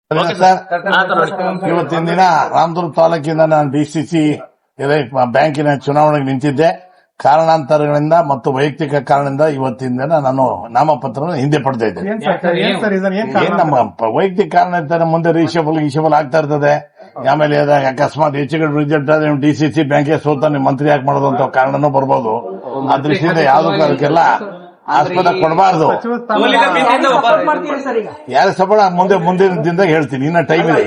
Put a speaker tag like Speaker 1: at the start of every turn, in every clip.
Speaker 1: Sir, ಇವತ್ತಿನ ದಿನ ರಾಮದುರ್ಗ ತಾಲೂಕಿಂದ ನಾನು ಡಿಸಿಸಿ ಬ್ಯಾಂಕಿನ ಚುನಾವಣೆಗೆ ನಿಂತಿದ್ದೆ. ಕಾರಣಾಂತರಗಳಿಂದ ಮತ್ತು ವೈಯಕ್ತಿಕ ಕಾರಣದಿಂದ ಇವತ್ತಿನ ದಿನ ನಾನು ನಾಮಪತ್ರ ಹಿಂದೆ ಪಡ್ತಾ ಇದ್ದೆ. ನಮ್ಮ ವೈಯಕ್ತಿಕ ಕಾರಣ ಇರ್ತಾರೆ, ಮುಂದೆ ರಿಷಬಲ್ ಆಗ್ತಾ ಇರ್ತದೆ. ಆಮೇಲೆ ಅಕಸ್ಮಾತ್ ಹೆಚ್ಚುಗಡೆ ರಿಸಲ್ಟ್ ಆದ್ರೆ ಡಿಸಿಸಿ ಬ್ಯಾಂಕಿಗೆ ಸೋತ ನೀವು ಮಂತ್ರಿ ಯಾಕೆ ಮಾಡೋದು ಅಂತ ಕಾರಣನೂ ಬರ್ಬೋದು. ಆ ದೃಷ್ಟಿಯಿಂದ ಯಾವುದಕ್ಕೂ ಅದಕ್ಕೆಲ್ಲ ಆಸ್ಪದ ಕೊಡಬಾರ್ದು. ಯಾರ ಸಬಳ ಮುಂದಿನ ದಿನದಾಗ ಹೇಳ್ತೀನಿ. ಇನ್ನ ಟೈಮ್ ಇದೆ,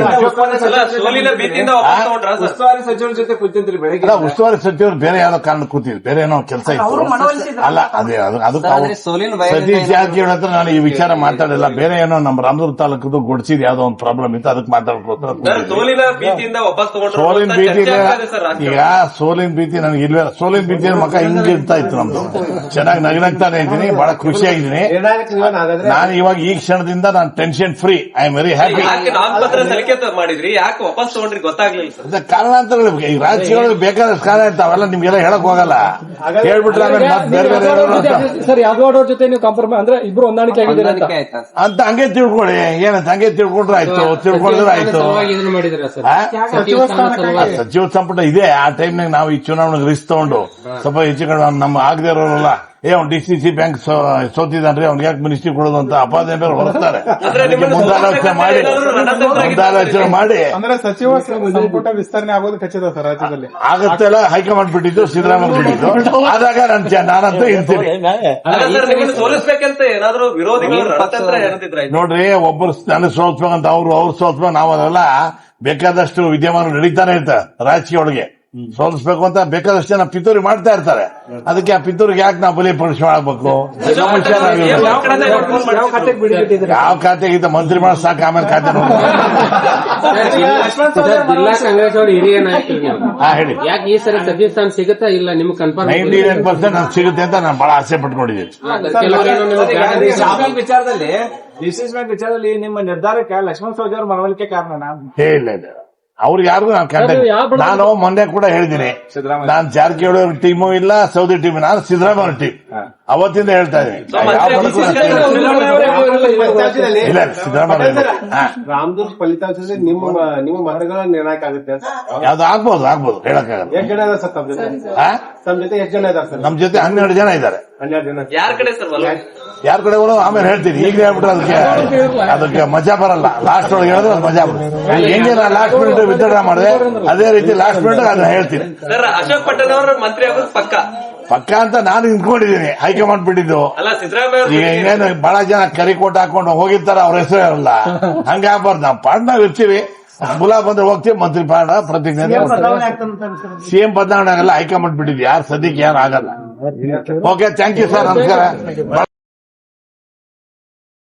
Speaker 1: ಉಸ್ತುವಾರಿ ಸಚಿವರು ಬೇರೆ ಯಾವ್ದೋ ಕಾರಣ ಕೂತಿದ್ರು, ಬೇರೆ ಏನೋ ಕೆಲಸ ಇತ್ತು. ಅಲ್ಲ ಅದೇ ಅದಕ್ಕೆ ಸತೀಶ್ ಜಾರಕಿಹೊಳಿ ಹತ್ರ ನಾನು ಈ ವಿಚಾರ ಮಾತಾಡಿಲ್ಲ. ಬೇರೆ ಏನೋ ನಮ್ಮ ರಾಮದುರ್ಗ ತಾಲೂಕದು ಗೊಡ್ಸಿದ್ ಯಾವ್ದೋ ಒಂದು ಪ್ರಾಬ್ಲಮ್ ಇತ್ತು, ಅದಕ್ಕೆ ಮಾತಾಡ್ಕೋತಾರೆ. ಸೋಲಿನ ಭೀತಿ ಈಗ ಸೋಲಿನ ಭೀತಿ ನನಗೆ ಇಲ್ವೇ. ಸೋಲಿನ ಭೀತಿ ಮಕ್ಕ ಹಿಂಗಿರ್ತಾ ಇತ್ತು ನಮ್ದು. ಚೆನ್ನಾಗಿ ನಗನಗ್ತಾನೆ ಇದ್ದೀನಿ, ಬಹಳ ಖುಷಿಯಾಗಿದ್ದೀನಿ. ನಾನು ಇವಾಗ ಈ ಕ್ಷಣದಿಂದ ನಾನು tension free. I am very happy.
Speaker 2: ಮಾಡಿದ್ರಿ ಯಾಕೆ ವಾಪಸ್ ತಗೊಂಡ್ರಿ ಗೊತ್ತಾಗ್ಲಿಲ್ಲ.
Speaker 1: ಕಾರಣಾಂತರಗಳು ಈ ರಾಜ್ಯಗಳು ಬೇಕಾದಷ್ಟು ಕಾರಣ ಇರ್ತಾವೆಲ್ಲ ನಿಮ್ಗೆಲ್ಲ ಹೇಳಕ್ ಹೋಗಲ್ಲ. ಹೇಳ್ಬಿಟ್ರೆ ಬೇರೆ ಬೇರೆ
Speaker 3: ಸರ್ ಯಾದವ್ ಜೊತೆ ನೀವು ಕಾಂಪ್ರಮೈಸ್ ಅಂದ್ರೆ ಇಬ್ರು ಹೊಂದಾಣಿಕೆ ಆಗಿದ್ದೀರಿ
Speaker 1: ಅಂತ ಹಂಗೆ ತಿಳ್ಕೊಳ್ಳಿ. ಏನಂತ ಹಂಗೆ ತಿಳ್ಕೊಂಡ್ರೆ ಆಯ್ತು, ತಿಳ್ಕೊಂಡ್ರೆ ಆಯ್ತು. ಸಚಿವ ಸಂಪುಟ ಇದೆ. ಆ ಟೈಮ್ನಾಗ ನಾವು ಈ ಚುನಾವಣೆಗೆ ರಿಸ್ಕ್ ತಗೊಂಡು ಸ್ವಲ್ಪ ಹೆಚ್ಚು ಕಡೆ ನಮ್ಮ ಆಗದೆ ಇರೋರಲ್ಲ, ಅವ್ನು ಡಿಸಿಸಿ ಬ್ಯಾಂಕ್ ಸೋತಿದ್ದಾನ್ರಿ, ಅವ್ನಿಗೆ ಯಾಕೆ ಮಿನಿಸ್ಟ್ರಿ ಕೊಡೋದು ಅಂತ ಅಪಾದನೆ ಹೊರಸ್ತಾರೆ. ಮುಂದಾಲೋಚನೆ ಮಾಡಿ
Speaker 4: ಅಂದ್ರೆ ಸಚಿವ ಸಂಪುಟ ವಿಸ್ತರಣೆ ಆಗೋದು ಖಚಿತ ಸರ್ ರಾಜ್ಯದಲ್ಲಿ
Speaker 1: ಆಗತ್ತೆಲ್ಲ ಹೈಕಮಾಂಡ್ ಬಿಟ್ಟಿದ್ದು, ಸಿದ್ದರಾಮಯ್ಯ ಬಿಟ್ಟಿದ್ದು. ಆದಾಗ ನಾನಂತೂ ಇರ್ತೀನಿ.
Speaker 2: ಸೋಲಿಸ್ಬೇಕಂತ ಏನಾದ್ರು ವಿರೋಧಿಗಳು
Speaker 1: ನೋಡ್ರಿ, ಒಬ್ಬರು ನನಗೆ ಸೋಲ್ಸ್ಬೇಕಂತ ಅವ್ರು ಸೋಲ್ಸ್ಬೇಕು. ನಾವು ಅದೆಲ್ಲ ಬೇಕಾದಷ್ಟು ವಿದ್ಯಮಾನ ನಡೀತಾನೆ ಇರ್ತಾರೆ ರಾಜಕೀಯ ಒಳಗೆ. ಸೋಲಿಸ್ಬೇಕು ಅಂತ ಬೇಕಾದಷ್ಟು ಜನ ಪಿತೂರಿ ಮಾಡ್ತಾ ಇರ್ತಾರೆ. ಅದಕ್ಕೆ ಆ ಪಿತೂರಿಗೆ ಯಾಕೆ ನಾವು ಬಲಿಪಡಿಸಿ ಮಾಡಬೇಕು? ಯಾವ ಖಾತೆಗಿಂತ ಮಂತ್ರಿ ಮಾಡಿ ಸಾಕು, ಆಮೇಲೆ ಖಾತೆ ನೋಡಿ.
Speaker 5: ಜಿಲ್ಲಾ ಕಾಂಗ್ರೆಸ್ ಅವರು ಹಿರಿಯ ನಾಯಕರು
Speaker 1: ಹೇಳಿ,
Speaker 5: ಯಾಕೆ ಈ ಸರಿ ಸಚಿವ ಸ್ಥಾನ ಸಿಗುತ್ತಾ ಇಲ್ಲ ನಿಮ್ಗೆ ಕನ್ಫರ್ಮ್?
Speaker 1: 99% ನಾನು ಸಿಗುತ್ತೆ ಅಂತ ನಾನು ಬಹಳ ಆಸೆ ಪಟ್ಕೊಂಡಿದ್ದೀನಿ.
Speaker 4: ವಿಚಾರದಲ್ಲಿ ಡಿಸಿಸಿ ಬ್ಯಾಂಕ್ ವಿಚಾರದಲ್ಲಿ ನಿಮ್ಮ ನಿರ್ಧಾರಕ್ಕೆ ಲಕ್ಷ್ಮಣ ಸವದಿ ಅವರ ಮನವೊಲಿಕೆ ಕಾರಣ
Speaker 1: ಇಲ್ಲ ಅವ್ರಿಗೆ ಯಾರಿಗೂ ನಾನು ಮೊನ್ನೆ ಕೂಡ ಹೇಳಿದ್ದೀನಿ, ನಾನು ಜಾರಕಿಹೊಳಿ ಅವ್ರ ಟೀಮು ಇಲ್ಲ, ಸೌದಿ ಟೀಮ್, ನಾನು ಸಿದ್ದರಾಮಯ್ಯ ಟೀಮ್ ಅವತ್ತಿಂದ ಹೇಳ್ತಾ ಇದ್ದೀನಿ. ಇಲ್ಲ ಸಿದ್ದರಾಮಯ್ಯ
Speaker 4: ರಾಮದುರ್ಗ ಫಲಿತಾಂಶದಲ್ಲಿ ನಿಮ್ಮ ಮತಗಳ ನಿರ್ಣಾಯಕ ಆಗುತ್ತೆ.
Speaker 1: ಯಾವ್ದು ಆಗ್ಬೋದು ಹೇಳಕ್ಕಾಗಲ್ಲ.
Speaker 4: ಎಷ್ಟು ಜನ ಇದ್ದಾರೆ ಸರ್ ತಮ್ಮ ಜೊತೆ? ಎಷ್ಟು ಜನ ಇದ್ದಾರೆ ಸರ್?
Speaker 1: ನಮ್ ಜೊತೆ 12 ಜನ ಇದ್ದಾರೆ.
Speaker 4: 12 ಜನ
Speaker 2: ಯಾರ ಕಡೆ ಸರ್?
Speaker 1: ಯಾರ ಕಡೆ ಆಮೇಲೆ ಹೇಳ್ತೀನಿ. ಈಗ ಹೇಳ್ಬಿಟ್ರೆ ಅದಕ್ಕೆ ಮಜಾ ಬರಲ್ಲ. ಲಾಸ್ಟ್ ಒಳಗೆ ಹೇಳಿದ್ರೆ ಅದು ಮಜಾ ಬರುತ್ತೆ. ಹೆಂಗೆ ನಾನು ಲಾಸ್ಟ್ ಮಿನಿಟ್ ವಿತ್ಡ್ರಾ ಮಾಡಿದೆ, ಅದೇ ರೀತಿ ಲಾಸ್ಟ್ ಮಿನಿಟ್ ಅದನ್ನ ಹೇಳ್ತೀನಿ.
Speaker 2: ಸರ್, ಅಶೋಕ್ ಪಟ್ಟಣ ಅವರು ಮಂತ್ರಿ ಆಗೋದು ಪಕ್ಕ
Speaker 1: ಅಂತ ನಾನು ನಿಂತ್ಕೊಂಡಿದ್ದೀನಿ. ಹೈಕಮಾಂಡ್ ಬಿಟ್ಟಿದ್ದು. ಈಗ ಇನ್ನೇನು ಬಹಳ ಜನ ಕರಿಕೋಟ್ ಹಾಕೊಂಡು ಹೋಗಿರ್ತಾರ, ಅವ್ರ ಹೆಸರು ಇರಲ್ಲ. ಹಂಗಾಗ್ಬಾರ್ದು. ನಾವು ಪಾಡ್ನಾಗ ಇರ್ತೀವಿ, ಮುಲಾ ಬಂದ್ರೆ ಹೋಗ್ತೀವಿ. ಮಂತ್ರಿ ಪಾಡ ಪ್ರತಿಜ್ಞೆ ಸಿಎಂ ಬದಲಾವಣೆ ಆಗಲ್ಲ. ಹೈಕಮಾಂಡ್ ಬಿಟ್ಟಿದ್ವಿ. ಯಾರು ಸದ್ಯಕ್ಕೆ ಯಾರು ಆಗಲ್ಲ. ಓಕೆ, ಥ್ಯಾಂಕ್ ಯು ಸರ್, ನಮಸ್ಕಾರ.